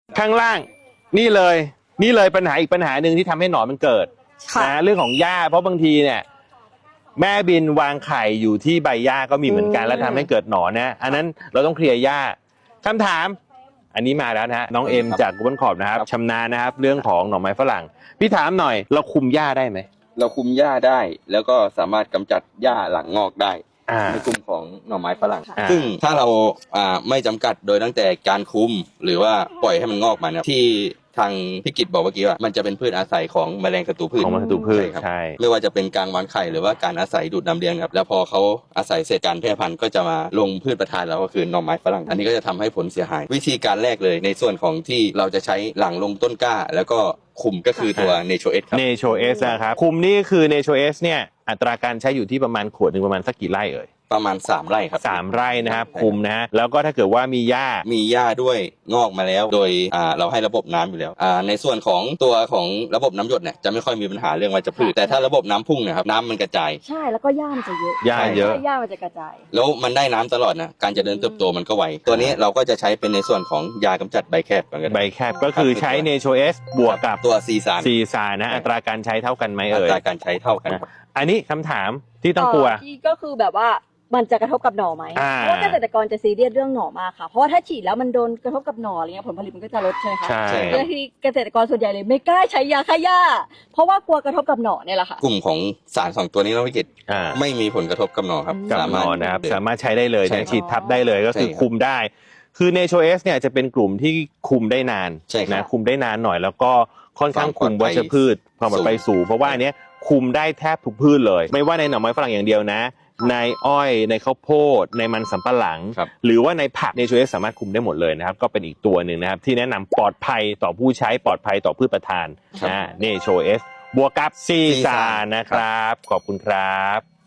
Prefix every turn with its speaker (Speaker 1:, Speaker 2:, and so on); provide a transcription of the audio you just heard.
Speaker 1: ข้างล่างนี่เลยปัญหาอีกปัญหาหนึ่งที่ทำให้หนอนมันเกิดนะเรื่องของหญ้าเพราะบางทีเนี่ยแม่บินวางไข่อยู่ที่ใบหญ้าก็มีเหมือนกันแล้วทำให้เกิดหนอนนะอันนั้นเราต้องเคลียร์หญ้าคำถามอันนี้มาแล้วนะฮะน้องเอ็มจากกุบลขอบนะครับชำนาญนะครับเรื่องของหน่อไม้ฝรั่งพี่ถามหน่อยเราคุมหญ้าได้ไหม
Speaker 2: เราคุมหญ้าได้แล้วก็สามารถกำจัดหญ้าหลังงอกได้ในกลุ่มของหน่อไม้ฝรั่งซึ่งถ้าเราไม่จำกัดโดยตั้งแต่การคุมหรือว่าปล่อยให้มันงอกมาเนี่ยที่ทางพี่กิตบอกเมื่อกี้ว่ามันจะเป็นพืชอาศัยของแมลงศัตรูพืช
Speaker 1: ของศัตรูพืช
Speaker 2: ครับ
Speaker 1: ใช่
Speaker 2: ไม่ว่าจะเป็นการวางไข่หรือว่าการอาศัยดูดน้ำเลี้ยงครับแล้วพอเขาอาศัยเศษการแพร่พันธุ์ก็จะมาลงพืชประทานเราก็คือหน่อไม้ฝรั่งอันนี้ก็จะทำให้ผลเสียหายวิธีการแรกเลยในส่วนของที่เราจะใช้หลังลงต้นกล้าแล้วก็คุมก็คือตัว Nature S ครับ
Speaker 1: Nature S นะครับคุมนี่คือ Nature S เนี่ยอัตราการใช้อยู่ที่ประมาณขวดหนึ่งประมาณสักกี่ไร่เอ่ย
Speaker 2: ประมาณ3 ไร่ครับ
Speaker 1: 3 ไร่นะครับคุมนะฮะแล้วก็ถ้าเกิดว่ามีหญ้า
Speaker 2: ด้วยงอกมาแล้วโดยเราให้ระบบน้ำอยู่แล้วในส่วนของตัวของระบบน้ำหยดเนี่ยจะไม่ค่อยมีปัญหาเรื่องวัชพืชแต่ถ้าระบบน้ำพุ่งเนี่ยครับน้ำมันกระจาย
Speaker 3: ใช่แล้วก็หญ้ามันจะเยอะ
Speaker 1: หญ้าเยอะ
Speaker 3: หญ้ามันจะกระจาย
Speaker 2: แล้วมันได้น้ำตลอดนะการเจริญเติบโตมันก็ไวตัวนี้เราก็จะใช้เป็นในส่วนของยากำจัดใบแคบ
Speaker 1: ใบแคบก็คือใช้ Nature S บวกกับ
Speaker 2: ตัวซีซาน
Speaker 1: นะอัตราการใช้เท่ากันไหมเอ่ย
Speaker 2: อัตราการใช้เท่ากัน
Speaker 1: อันนี้คำถามที่ต้องกลัว
Speaker 3: ที่ก็คือแบบว่ามันจะกระทบกับหน่อไหมเพราะว่าเกษตรกรจะซีเรียสเรื่องหน่อมากค่ะเพราะว่าถ้าฉีดแล้วมันโดนกระทบกับหน่ออะไรเงี้ยผลผลิตมันก็จะลดใช่ไหมคะ
Speaker 1: ใช่
Speaker 3: บางทีเกษตรกรส่วนใหญ่เลยไม่กล้าใช้ยาฆ่าหญ้าเพราะว่ากลัวกระทบกับหน่อเนี่ยแหละค่ะ
Speaker 2: กลุ่มของสาร2 ตัวนี้เราไม่เก็ตไม่มีผลกระทบกับหน่อครับ
Speaker 1: กับหน่อนะครับสามารถใช้ได้เลยฉีดทับได้เลยก็คือคุมได้คือ Nature S เนี่ยจะเป็นกลุ่มที่คุมได้นานนะคุมได้นานหน่อยแล้วก็ค่อนข้างคุมวัชพืชความปลอดภัยสูงเพราะว่าอันนี้คุมได้แทบทุกพืชเลยไม่ว่าในหน่อไม้ฝรั่งอย่างเดียวนะในอ้อยในข้าวโพดในมันสำปะหลังหรือว่าในผัก Nature S สามารถคุมได้หมดเลยนะครับก็เป็นอีกตัวหนึ่งนะครับที่แนะนำปลอดภัยต่อผู้ใช้ปลอดภัยต่อพืชประทานNature S บวกกับซีซานนะครับขอบคุณครับ